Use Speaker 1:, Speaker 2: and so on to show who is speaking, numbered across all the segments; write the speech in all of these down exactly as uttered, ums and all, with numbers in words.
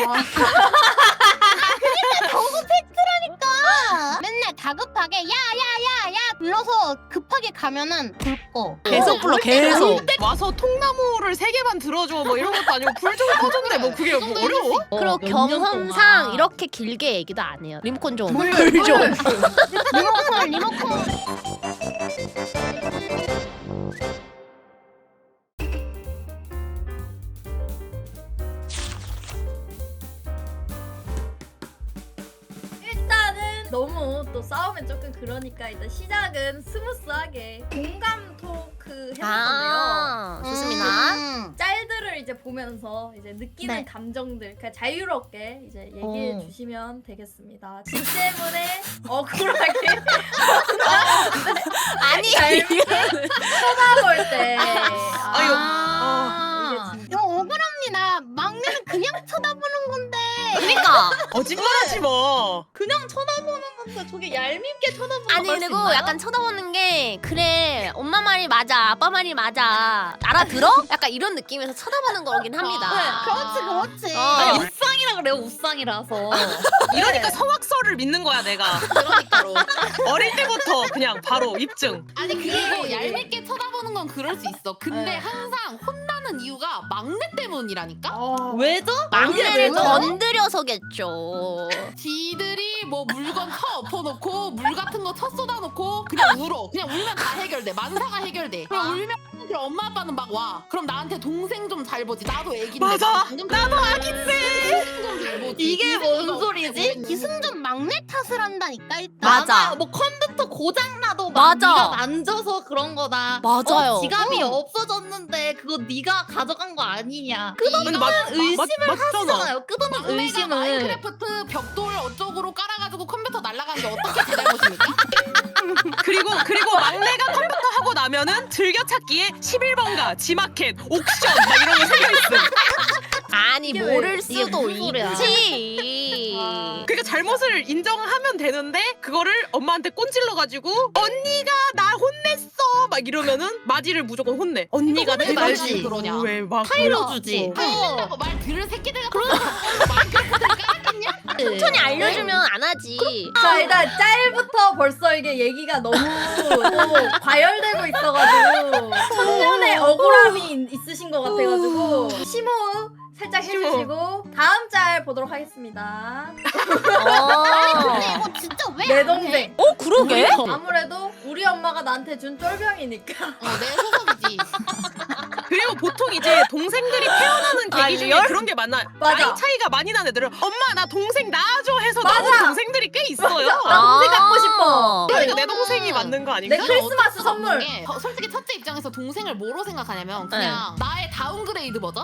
Speaker 1: 저거 팩트라니까. 맨날 다급하게 야야야야 불러서 급하게 가면은 불 꺼.
Speaker 2: 계속 불러 계속.
Speaker 3: 와서 통나무를 세 개만 들어줘 뭐 이런 것도 아니고 불 좀 꺼준대. 뭐 그게 뭐 어려워?
Speaker 2: 그리고 경험상 이렇게 길게 얘기도 안 해요. 리모컨 좀.
Speaker 1: 물,
Speaker 2: 불
Speaker 1: 물.
Speaker 2: 좀.
Speaker 1: 리모컨 리모컨.
Speaker 4: 일단은 너무 또 싸우면 조금 그러니까 일단 시작은 스무스하게 공감 토크 해볼 건데요.
Speaker 2: 아, 좋습니다.
Speaker 1: 음.
Speaker 4: 짤들을 이제 보면서 이제 느끼는
Speaker 1: 네.
Speaker 4: 감정들 그냥 자유롭게 이제 얘기해
Speaker 2: 어.
Speaker 4: 주시면 되겠습니다. 지 때문에 억울하게
Speaker 2: 아니.
Speaker 4: 쳐다볼 때
Speaker 3: 아유.
Speaker 1: 아.
Speaker 4: 이게
Speaker 1: 이거 억울합니다. 막내는 그냥 쳐다보는 건데.
Speaker 2: 그러니까.
Speaker 3: 거짓말하지 마.
Speaker 4: 그냥 쳐다보는 건데 저게 얄밉게 쳐다보는
Speaker 2: 아니 그리고 약간 쳐다보는 게 그래 엄마 말이 맞아 아빠 말이 맞아 알아들어? 약간 이런 느낌에서 쳐다보는 거긴 합니다.
Speaker 1: 그렇지 그렇지.
Speaker 2: 어.
Speaker 4: 아니 우상이라 그래요 우상이라서
Speaker 3: 이러니까 성악설을 믿는 거야 내가.
Speaker 4: 그러니까로
Speaker 3: 어릴 때부터 그냥 바로 입증.
Speaker 5: 아니 그리고 얄밉게 쳐다보는 건 그럴 수 있어. 근데
Speaker 4: 네.
Speaker 5: 항상 혼나는 이유가 막내 때문이라니까.
Speaker 4: 왜죠?
Speaker 2: 막내를
Speaker 4: 왜죠?
Speaker 2: 건드려서겠죠.
Speaker 5: 지들이 뭐 물건 쳐 엎어놓고 물 같은 거 쳐 쏟아놓고 그냥 울어. 그냥 울면 다 해결돼. 만사가 해결돼. 그럼 울면 그럼 엄마 아빠는 막 와. 그럼 나한테 동생 좀 잘 보지. 나도 애기인데.
Speaker 3: 맞아.
Speaker 5: 방금
Speaker 3: 나도 아기인데.
Speaker 5: 동생 좀 잘 보지.
Speaker 4: 이게
Speaker 5: 동생이
Speaker 4: 뭔
Speaker 5: 어떻게
Speaker 4: 소리지?
Speaker 5: 했는데.
Speaker 1: 기승전 막내 탓을 한다니까 일단.
Speaker 2: 맞아.
Speaker 4: 뭐 컴퓨터 고장 나도
Speaker 2: 맞아.
Speaker 4: 네가 만져서 그런 거다.
Speaker 2: 맞아요.
Speaker 4: 어, 지갑이
Speaker 1: 어.
Speaker 4: 없어졌는데 그거 네가 가져간 거 아니냐.
Speaker 3: 근데 맞,
Speaker 4: 의심을
Speaker 3: 맞, 맞잖아.
Speaker 4: 하잖아요. 끝없는
Speaker 5: 막내가
Speaker 4: 의심을.
Speaker 5: 마인크래프트 벽돌 어쩌고로 깔아가지고 컴퓨터 날아간 게 어떻게 제 잘못입니까?
Speaker 3: 그리고 그리고 막내가 컴퓨터 하고 나면은 즐겨찾기에 십일 번가, 지마켓, 옥션 막 이런 거 생겨있음.
Speaker 2: 아니
Speaker 4: 이게
Speaker 2: 모를
Speaker 4: 왜- 이게
Speaker 2: 수도
Speaker 4: 무슨 소리야.
Speaker 2: 있지.
Speaker 3: 그러니까 잘못을 인정하면 되는데 그거를 엄마한테 꼰질러가지고 언니가 나 혼냈어 막 이러면은 마지를 무조건 혼내. 언니가
Speaker 5: 왜
Speaker 3: 내
Speaker 5: 말을
Speaker 3: 말지
Speaker 5: 그러냐?
Speaker 3: 왜막
Speaker 4: 타일러주지.
Speaker 5: 어. 말 들을 새끼들 같은 거 마인크래프트를 깔았겠냐?
Speaker 2: 천천히 알려주면 안 하지.
Speaker 4: 자 일단 짤부터 벌써 이게 얘기가 너무 또 과열되고 있어가지고 청년의 억울함이 있으신 것 같아가지고 심호흡 살짝 해주시고 다음 짤 보도록 하겠습니다.
Speaker 1: 근데 이거 진짜 왜?
Speaker 4: 내
Speaker 1: 안 해?
Speaker 4: 동생.
Speaker 2: 어 그러게?
Speaker 4: 아무래도 우리 엄마가 나한테 준 쫄병이니까.
Speaker 5: 어, 내 소속이지.
Speaker 3: 그리고 보통 이제 동생들이 태어나는 계기
Speaker 2: 아,
Speaker 3: 중에
Speaker 2: 열-
Speaker 3: 그런 게 많아.
Speaker 4: 맞아.
Speaker 3: 나이 차이가 많이 나는 애들은 엄마 나 동생 낳아줘 해서
Speaker 4: 맞아.
Speaker 3: 나오는 동생들이 꽤 있어요.
Speaker 4: 나 동생 갖고 싶어.
Speaker 3: 그러니까 내
Speaker 5: 이거는
Speaker 3: 동생이 맞는 거 아닌가?
Speaker 4: 내 크리스마스
Speaker 5: 어쩔 수
Speaker 4: 선물.
Speaker 5: 없는 게, 어, 솔직히 첫째 입장에서 동생을 뭐로 생각하냐면 그냥 나의 다운그레이드 버전?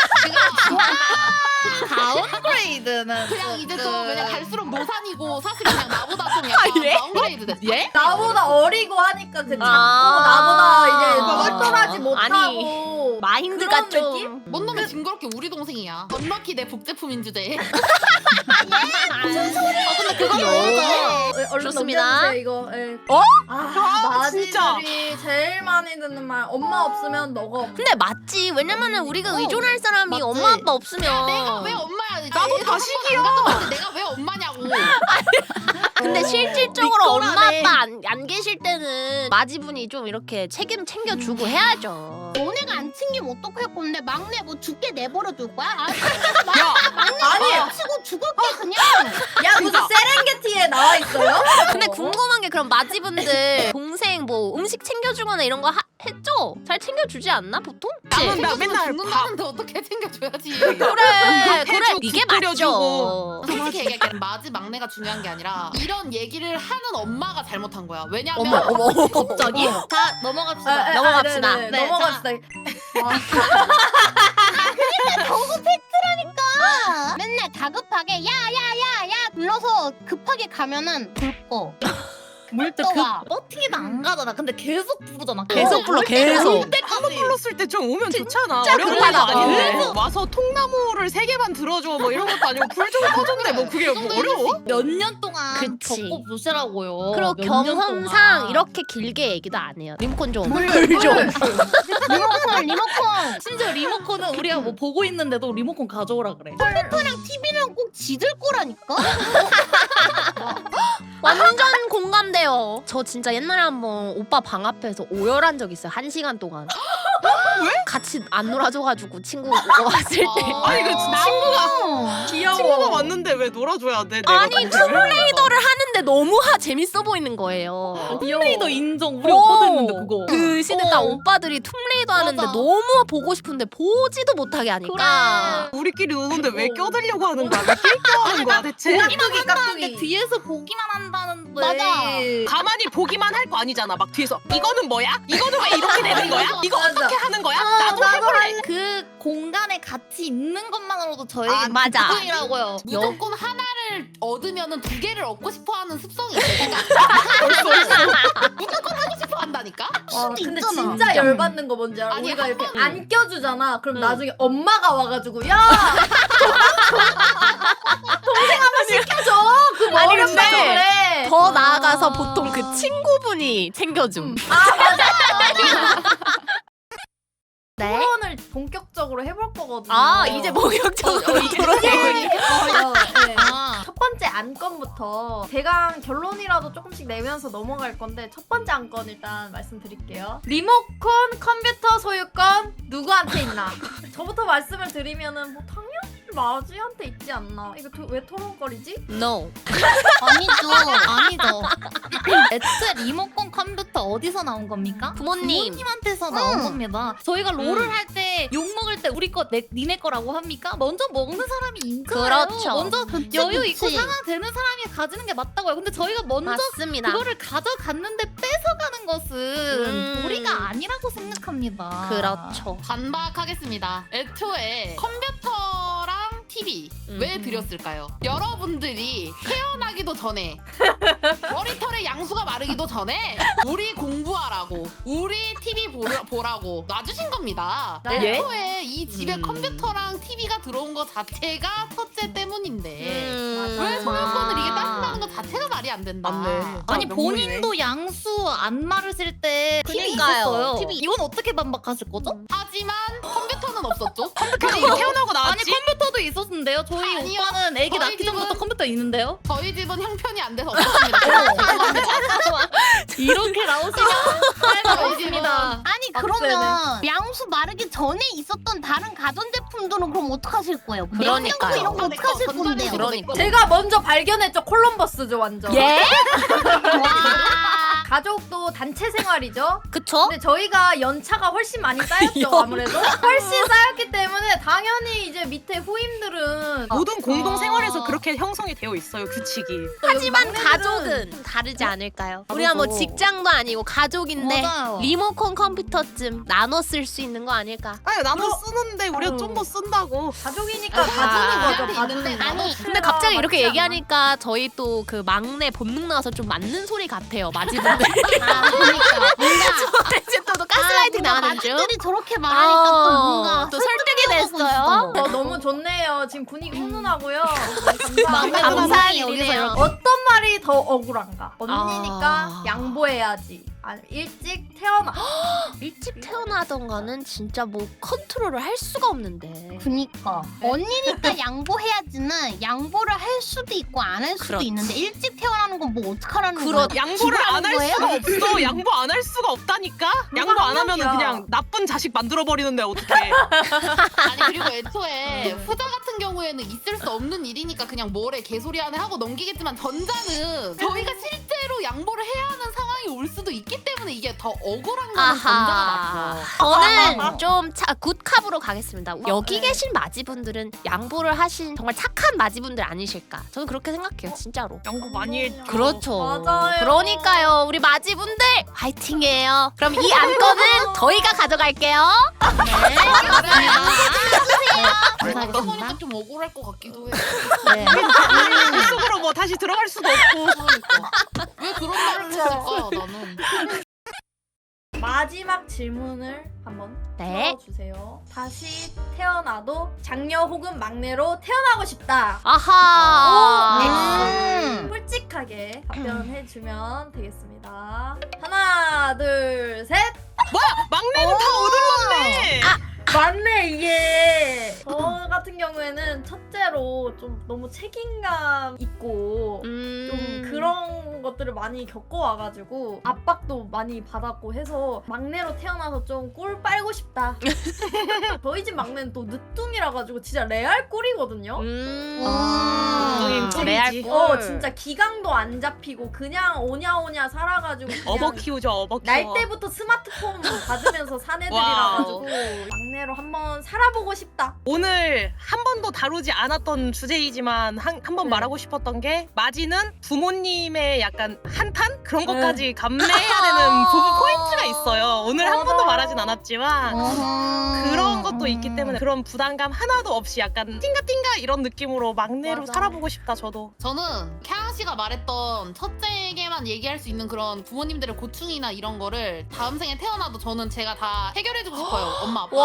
Speaker 4: 다운그레이드는
Speaker 5: 그냥 이제 좀 그냥 갈수록 노산이고 사실 그냥 나보다 좀
Speaker 2: 아,
Speaker 5: 약간
Speaker 2: 예?
Speaker 5: 다운그레이드 됐어. 예?
Speaker 4: 나보다 어리고 하니까 그 작고
Speaker 2: 아.
Speaker 4: 나보다 이제
Speaker 2: 아.
Speaker 4: 똘똘하지 못하고
Speaker 2: 아니, 마인드가
Speaker 4: 그런
Speaker 2: 좀
Speaker 4: 느낌?
Speaker 5: 뭔 놈의 징그럽게 우리 동생이야. 언럭키 내 복제품인 주제에.
Speaker 2: 무슨 소리야? 어, 근데 그건
Speaker 4: 어, 얼른
Speaker 2: 좋습니다.
Speaker 4: 넘겨주세요, 이거. 예.
Speaker 2: 어?
Speaker 4: 아,
Speaker 3: 아, 진짜.
Speaker 4: 마지들이 제일 많이 듣는 말. 엄마 없으면 너가 없.
Speaker 2: 근데 맞지. 왜냐면은 우리가
Speaker 4: 어,
Speaker 2: 의존할 사람이
Speaker 4: 맞지.
Speaker 2: 엄마 아빠 없으면
Speaker 5: 내가 왜 엄마야?
Speaker 3: 나도
Speaker 5: 애가
Speaker 3: 자식이야.
Speaker 5: 한번 안 가져봤는데 내가 왜 엄마냐고.
Speaker 2: 근데
Speaker 4: 어,
Speaker 2: 실질적으로 엄마
Speaker 4: 믿거라네.
Speaker 2: 아빠 안, 안 계실 때는 마지분이 좀 이렇게 책임 챙겨주고
Speaker 4: 음.
Speaker 2: 해야죠.
Speaker 1: 너네가 안 챙기면 어떡할 건데 막내 뭐 죽게 내버려 둘 거야? 아,
Speaker 3: 야,
Speaker 4: 아니,
Speaker 1: 치고 죽을게 그냥.
Speaker 4: 야 무슨 세렝게티에 나와 있어요?
Speaker 2: 근데 궁금한 게 그럼 마지분들 동생 뭐 음식 챙겨주거나 이런 거 하, 했죠? 잘 챙겨주지 않나 보통?
Speaker 3: 남은 나 맨날 밥
Speaker 5: 죽는다는데 어떻게 챙겨줘야지.
Speaker 2: 그래 그래
Speaker 3: 해주고
Speaker 2: 이게
Speaker 3: 국 끓여주고.
Speaker 2: 맞죠.
Speaker 5: 솔직히 얘기할게 마지 막내가 중요한 게 아니라 이런 얘기를 하는 엄마가 잘못한 거야. 왜냐면
Speaker 2: 어머 어머 갑자기?
Speaker 4: 자 넘어갑시다.
Speaker 2: 아, 넘어갑시다.
Speaker 4: 네, 네,
Speaker 2: 네,
Speaker 4: 넘어갑시다.
Speaker 1: 저거 팩트라니까. 맨날 다급하게 야야야야 불러서 급하게 가면은 불 꺼. 물 떠와.
Speaker 4: 버팅이도 안 가잖아. 근데 계속 부르잖아.
Speaker 2: 계속 불러 계속.
Speaker 3: 한번 불렀을 때 좀 오면 좋잖아.
Speaker 2: 진짜
Speaker 3: 어려운
Speaker 2: 급하다.
Speaker 3: 것도 아닌데
Speaker 2: 그래서-
Speaker 3: 와서 통나무를 세 개만 들어줘 뭐 이런 것도 아니고 불 좀 꺼준대. 뭐 그게 뭐 어려워?
Speaker 4: 몇 년 동안
Speaker 2: 그치.
Speaker 6: 겪고 보시라고요.
Speaker 2: 그리고
Speaker 6: 몇년
Speaker 2: 경험상
Speaker 6: 동안.
Speaker 2: 이렇게 길게 얘기도 안 해요. 리모컨 좀.
Speaker 4: 물
Speaker 2: 좀.
Speaker 1: 리모컨 리모컨.
Speaker 6: 심지어 리모컨은 우리가 뭐 보고 있는데도 리모컨 가져오라 그래.
Speaker 1: 컴퓨터랑 티비랑 꼭 지들 거라니까.
Speaker 2: 완전 공감돼요. 저 진짜 옛날에 한번 오빠 방 앞에서 오열한 적 있어요. 한 시간 동안.
Speaker 3: 왜?
Speaker 2: 같이 안 놀아줘가지고 친구 왔을 때.
Speaker 3: 아니 그 친구가
Speaker 4: 귀여워.
Speaker 3: 친구가 왔는데 왜 놀아줘야 돼? 내가
Speaker 2: 아니
Speaker 3: 근데.
Speaker 2: 툼레이더를 하는데 너무 하, 재밌어 보이는 거예요.
Speaker 6: 톰레이더 인정. 우리
Speaker 2: 어.
Speaker 6: 오빠도 했는데 그거.
Speaker 2: 그 시대 딱
Speaker 6: 어.
Speaker 2: 오빠들이 툼레이더 하는데
Speaker 6: 맞아.
Speaker 2: 너무 보고 싶은데 보지도 못하게 하니까.
Speaker 3: 우리끼리 노는데 왜 껴들려고 하는 거야? 왜 낄껴하는 거야 대체?
Speaker 4: 깍두기
Speaker 6: 근데
Speaker 4: 깍두기.
Speaker 6: 뒤에서 보기만 한다는데.
Speaker 1: 맞아.
Speaker 3: 가만히 보기만 할 거 아니잖아. 막 뒤에서 이거는 뭐야? 이거는 왜 이렇게 되는 거야? 이거
Speaker 4: 맞아.
Speaker 3: 어떻게 하는 거야?
Speaker 4: 어,
Speaker 3: 나도
Speaker 4: 나도
Speaker 3: 해볼래.
Speaker 6: 그 공간에 같이 있는 것만으로도 저에게
Speaker 2: 아, 맞아.
Speaker 6: 기쁨이라고요.
Speaker 5: 무조건 하나를 얻으면은 두 개를 얻고 싶어하는 습성이 있으니까 무조건 하고 싶어 한다니까.
Speaker 4: 와,
Speaker 1: 수도
Speaker 4: 근데
Speaker 1: 있잖아.
Speaker 4: 진짜 열받는 거 뭔지 알아?
Speaker 5: 아니,
Speaker 4: 우리가
Speaker 5: 한
Speaker 4: 이렇게
Speaker 5: 번-
Speaker 4: 안 껴주잖아. 그럼
Speaker 2: 응.
Speaker 4: 나중에 엄마가 와가지고 야 동생 한번 시켜줘. 그
Speaker 2: 아니,
Speaker 4: 머리
Speaker 2: 근데
Speaker 4: 그래.
Speaker 2: 더 나아가서 보통 그 친구분이 챙겨줌.
Speaker 4: 아 맞아.
Speaker 2: 네.
Speaker 4: 토론을 본격적으로 해볼 거거든요.
Speaker 2: 아 이제 목욕적으로 돌아가고 있는.
Speaker 4: 어, 네.
Speaker 6: 아.
Speaker 4: 첫 번째 안건부터 대강 결론이라도 조금씩 내면서 넘어갈 건데 첫 번째 안건 일단 말씀드릴게요. 리모컨 컴퓨터 소유권 누구한테 있나? 저부터 말씀을 드리면은 뭐 당연히 마지한테 있지 않나? 이거 도, 왜 토론거리지?
Speaker 2: No.
Speaker 1: 아니죠.
Speaker 6: 아니죠. 애초에 리모컨 컴퓨터 어디서 나온 겁니까?
Speaker 2: 부모님.
Speaker 6: 부모님한테서 나온
Speaker 1: 응.
Speaker 6: 겁니다. 저희가 롤을 할 때 욕 먹을 때 우리 거 내, 니네 거라고 합니까? 먼저 먹는 사람이 인잖아요.
Speaker 2: 그렇죠.
Speaker 6: 먼저
Speaker 1: 그치,
Speaker 6: 여유
Speaker 1: 그치.
Speaker 6: 있고 상황 되는 사람이 가지는 게 맞다고요. 근데 저희가 먼저
Speaker 2: 맞습니다.
Speaker 6: 그거를 가져갔는데 뺏어가는 것은
Speaker 2: 음.
Speaker 6: 도리가 아니라고 생각합니다.
Speaker 2: 그렇죠.
Speaker 5: 반박하겠습니다. 애초에 컴퓨터랑 티비 왜
Speaker 2: 음.
Speaker 5: 드렸을까요? 여러분들이 태어나기도 전에 머리털의 양수가 마르기도 전에 우리 공부하라고 우리 티비 보라, 보라고 놔주신 겁니다.
Speaker 4: 네.
Speaker 5: 애초에 이 집에
Speaker 2: 음.
Speaker 5: 컴퓨터랑 티비가 들어온 것 자체가 첫째 때문인데
Speaker 2: 음.
Speaker 5: 왜 소유권을 이게 따진다는 것 자체가 말이 안 된다.
Speaker 3: 맞네.
Speaker 6: 아니
Speaker 3: 아,
Speaker 6: 본인도 양수 안 마르실 때 티비
Speaker 2: 그러니까요.
Speaker 6: 있었어요.
Speaker 2: 티비.
Speaker 6: 이건 어떻게 반박하실 거죠?
Speaker 5: 하지만 컴퓨터는 없었죠.
Speaker 3: 컴퓨터가 태어나고
Speaker 6: 아니
Speaker 3: 나왔지.
Speaker 6: 컴퓨터도 있었는데요. 저희
Speaker 5: 아니요.
Speaker 6: 오빠는 애기
Speaker 5: 저희
Speaker 6: 낳기 전부터
Speaker 5: 집은-
Speaker 6: 컴퓨터 있는데요.
Speaker 5: 저희 집은 형편이 안 돼서 없었습니다. 죄송합니다.
Speaker 6: 이렇게 나오시면 할말 없습니다.
Speaker 1: 아니
Speaker 6: 아,
Speaker 1: 그러면 양수 마르기 전에 있었던 다른 가전제품들은 그럼 어떡하실 거예요?
Speaker 2: 그러니까요.
Speaker 1: 냉장고 이런 거 어떡하실
Speaker 5: 내 거,
Speaker 1: 건데요?
Speaker 2: 그러니까.
Speaker 4: 제가 먼저 발견했죠. 콜럼버스죠 완전.
Speaker 2: 예?
Speaker 1: 와.
Speaker 4: 가족도 단체 생활이죠.
Speaker 2: 그쵸?
Speaker 4: 근데 저희가 연차가 훨씬 많이 쌓였죠. 아무래도 훨씬 쌓였기 때문에 당연히 이제 밑에 후임들은
Speaker 3: 모든 공동
Speaker 6: 아.
Speaker 3: 생활에서 그렇게 형성이 되어 있어요 규칙이.
Speaker 2: 하지만
Speaker 4: 막내들은
Speaker 2: 가족은 좀 다르지 않을까요? 우리가 뭐
Speaker 4: 다르죠.
Speaker 2: 직장도 아니고 가족인데
Speaker 6: 맞아요.
Speaker 2: 리모컨 컴퓨터쯤 나눠 쓸 수 있는 거 아닐까?
Speaker 3: 아니 나도
Speaker 4: 그럼-
Speaker 3: 쓰는데 우리가
Speaker 4: 어.
Speaker 3: 좀 더 쓴다고.
Speaker 4: 가족이니까
Speaker 2: 아,
Speaker 4: 봐주는 거죠.
Speaker 5: 우리한테
Speaker 4: 봐주는
Speaker 5: 있는데
Speaker 4: 거.
Speaker 1: 아니,
Speaker 2: 근데 갑자기 이렇게
Speaker 4: 맞지 않아?
Speaker 2: 얘기하니까 저희 또 그 막내 본능 나와서 좀 맞는 소리 같아요. 마지분들.
Speaker 1: 아 그러니까 뭔가
Speaker 2: 이제 또 가스라이팅
Speaker 1: 아, 뭔가
Speaker 2: 나가는 중.
Speaker 1: 마지들이 저렇게 말하니까 또
Speaker 2: 어,
Speaker 1: 뭔가
Speaker 2: 또 설득이
Speaker 1: 설득하고
Speaker 2: 됐어요.
Speaker 1: 있어.
Speaker 4: 어, 너무 좋네요. 지금 분위기 훈훈하고요.
Speaker 1: 막내
Speaker 4: 감사합니다.
Speaker 2: 감사한
Speaker 1: 동생이
Speaker 2: 일이네요.
Speaker 1: 여기서 이렇게
Speaker 4: 어떤 말이 더 억울한가? 언니니까
Speaker 2: 아.
Speaker 4: 양보해야지. 아니, 일찍 태어나.
Speaker 2: 일찍 태어나던가는 진짜 뭐 컨트롤을 할 수가 없는데.
Speaker 1: 그니까 언니니까 양보해야지는 양보를 할 수도 있고 안 할 수도
Speaker 2: 그렇지.
Speaker 1: 있는데 일찍 태어나는 건 뭐 어떡하라는
Speaker 2: 그렇-
Speaker 1: 거야?
Speaker 3: 양보를 안 할
Speaker 1: 거예요?
Speaker 3: 수가 없어. 양보 안 할 수가 없다니까. 양보 안 하면은
Speaker 4: 합리적이야.
Speaker 3: 그냥 나쁜 자식 만들어 버리는데 어떡해.
Speaker 5: 아니 그리고 애초에 후자 같은 경우에는 있을 수 없는 일이니까 그냥 뭐래 개소리 하네 하고 넘기겠지만 전자는 저희가 실제로 양보를 해야 하는 상황이 올 수도 있기 때문에 이게 더 억울한 거는 전자가
Speaker 2: 아하.
Speaker 5: 맞죠.
Speaker 2: 저는 좀 차, 굿캅으로 가겠습니다. 여기 계신 마지분들은 양보를 하신 정말 착한 마지분들 아니실까? 저는 그렇게 생각해요, 진짜로.
Speaker 3: 양보 많이 했죠.
Speaker 2: 그렇죠.
Speaker 4: 맞아요.
Speaker 2: 그러니까요, 우리 마지분들 화이팅이에요. 그럼 이 안건은 저희가 가져갈게요.
Speaker 5: 생각해 보니까 좀 억울할 것 같기도 해.
Speaker 6: 네.
Speaker 3: 그 속으로 뭐 다시 들어갈 수도 없고.
Speaker 5: 그러니까. 왜 그런 말을 했을까 나는.
Speaker 4: 마지막 질문을 한번
Speaker 2: 네.
Speaker 4: 풀어주세요. 다시 태어나도 장녀 혹은 막내로 태어나고 싶다.
Speaker 2: 아하.
Speaker 1: 음.
Speaker 4: 솔직한 솔직하게 답변해주면 되겠습니다. 하나, 둘, 셋.
Speaker 3: 막내는 다 얻을렀네.
Speaker 4: 맞네. 이게 저 같은 경우에는 첫째로 좀 너무 책임감 있고
Speaker 2: 음.
Speaker 4: 좀 그런 것들을 많이 겪어와가지고 압박도 많이 받았고 해서 막내로 태어나서 좀 꿀 빨고 싶다. 저희 집 막내는 또 늦둥이라 가지고 진짜 레알 꿀이거든요.
Speaker 2: 음.
Speaker 3: 아, 꿀이지.
Speaker 2: 레알 꿀.
Speaker 4: 어 진짜 기강도 안 잡히고 그냥 오냐오냐 살아가지고 그냥
Speaker 3: 어버 키우죠, 어버 키워.
Speaker 4: 날 때부터 스마트폰 받으면서 산 애들이라
Speaker 3: 와우.
Speaker 4: 가지고 막내로 한번 살아보고 싶다.
Speaker 3: 오늘 한 번도 다루지 않았던 주제이지만 한 한 번
Speaker 4: 네.
Speaker 3: 말하고 싶었던 게 마지는 부모님의 약간 한탄 그런
Speaker 4: 네.
Speaker 3: 것까지 감내해야 되는 부분 포인트가 있어요. 오늘 한 번도
Speaker 4: 맞아요.
Speaker 3: 말하진 않았지만 그런 것도 있기 때문에 그런 부담감 하나도 없이 약간 띵가띵가 이런 느낌으로 막내로
Speaker 4: 맞아.
Speaker 3: 살아보고 싶다 저도.
Speaker 5: 저는 캬 씨가 말했던 첫째에게만 얘기할 수 있는 그런 부모님들의 고충이나 이런 거를 다음 생에 태어나도 저는 제가 다 해결해주고 싶어요. 엄마 아빠.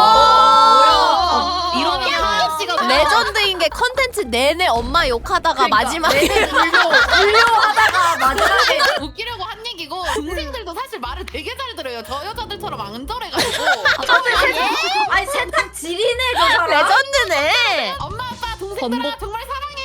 Speaker 2: 와.
Speaker 6: 이러면 하연 씨가
Speaker 2: 레전드인 게 컨텐츠 내내 엄마 욕하다가
Speaker 4: 그러니까
Speaker 2: 마지막에
Speaker 4: 내내 불려 불려하다가 마지막에
Speaker 5: 웃기려고 한 얘기고 동생들도 사실 말을 되게 잘 들어요. 저 여자들처럼 앙절해가지고
Speaker 4: 아니 세탁 지리네 저 사람.
Speaker 2: 레전드네.
Speaker 5: 엄마 아빠 동생들아 정말 사랑해.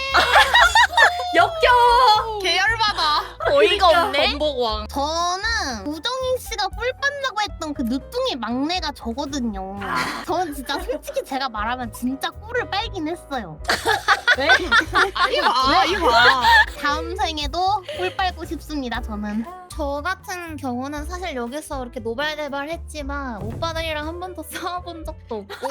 Speaker 4: 역겨워.
Speaker 3: 계열받아.
Speaker 2: 어이가 없네.
Speaker 6: 건복왕.
Speaker 1: 저는 우정인 씨가 꿀 빤다고 했던 그 늦둥이 막내가 저거든요. 저는 진짜 솔직히 제가 말하면 진짜 꿀을 빨긴 했어요.
Speaker 4: 왜?
Speaker 3: 이봐 이봐.
Speaker 1: 다음 생에도 꿀 빨고 싶습니다. 저는.
Speaker 6: 저 같은 경우는 사실 여기서 이렇게 노발대발했지만 오빠들이랑 한 번도 싸워본 적도 없고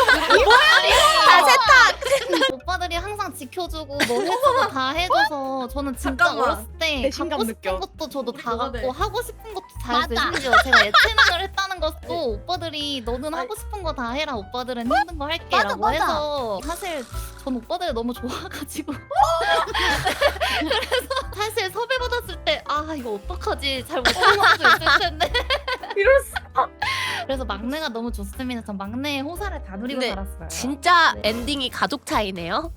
Speaker 2: 다 세탁.
Speaker 6: 오빠들이 항상 지켜주고 뭐 해주고 다 해줘서 저는 진짜
Speaker 4: 잠깐만.
Speaker 6: 어렸을 때
Speaker 3: 배신감
Speaker 6: 갖고 싶은
Speaker 3: 느껴.
Speaker 6: 것도 저도 다
Speaker 4: 그거네.
Speaker 6: 갖고 하고 싶은 것도 다 했어요.
Speaker 1: 맞아.
Speaker 6: 심지어 제가 예체능을 했다는 것도 오빠들이 너는 하고 싶은 거 다 해라 오빠들은 힘든 거 할게
Speaker 1: 맞아,
Speaker 6: 라고
Speaker 1: 맞아.
Speaker 6: 해서 사실 전 오빠들 너무 좋아가지고 그래서 사실 섭외 받았을 때 아 이거 어떡하지 잘 못하는 수도 있을 텐데
Speaker 4: 이럴 수.
Speaker 6: 그래서 막내가 너무 좋습니다. 전 막내의 호사를 다 누리고
Speaker 2: 근데
Speaker 6: 살았어요.
Speaker 2: 진짜 엔딩이 가족 차이네요.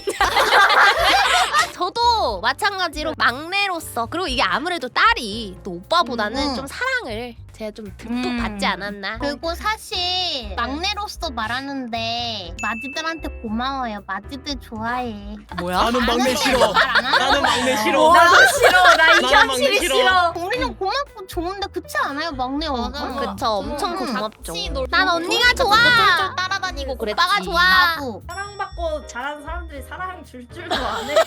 Speaker 2: 저도 마찬가지로 막내로서 그리고 이게 아무래도 딸이 또 오빠보다는
Speaker 1: 음.
Speaker 2: 좀 사랑을 제가 좀 듬뿍
Speaker 6: 음.
Speaker 2: 받지 않았나.
Speaker 1: 그리고 사실 막내로서 말하는데 마지들한테 고마워요. 마지들 좋아해.
Speaker 2: 뭐야?
Speaker 3: 나는 막내 싫어.
Speaker 1: 말안 하는
Speaker 3: 나는 막내
Speaker 1: 거예요.
Speaker 3: 싫어.
Speaker 4: 나도 싫어. 나 이
Speaker 3: 나는 막내
Speaker 4: 현실이
Speaker 3: 싫어.
Speaker 4: 싫어.
Speaker 1: 우리는 고맙고 좋은데 그렇지 않아요? 막내
Speaker 6: 맞아.
Speaker 1: 오빠?
Speaker 2: 그쵸, 엄청
Speaker 6: 음,
Speaker 2: 고맙죠.
Speaker 6: 같이 놀-
Speaker 2: 난 언니가 좋아.
Speaker 6: 쫄쫄 따라다니고 그랬지.
Speaker 2: 오빠가 좋아.
Speaker 1: 나도.
Speaker 4: 사랑받고 자란 사람들이 사랑 줄 줄도 안 해요.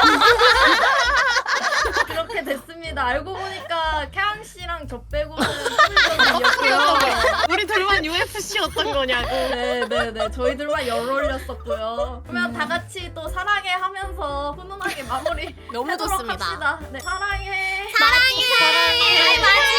Speaker 4: 그렇게 됐습니다. 알고 보니까 캬양 씨랑 저 빼고는 소리였고요.
Speaker 3: 우리 둘만 유에프씨였던 거냐고.
Speaker 4: 네네네 저희들만 열 올렸었고요. 그러면 다 같이 또 사랑해 하면서 훈훈하게 마무리
Speaker 2: 너무
Speaker 4: 하도록
Speaker 2: 좋습니다.
Speaker 4: 합시다. 네, 사랑해.
Speaker 2: 사랑해. 마지.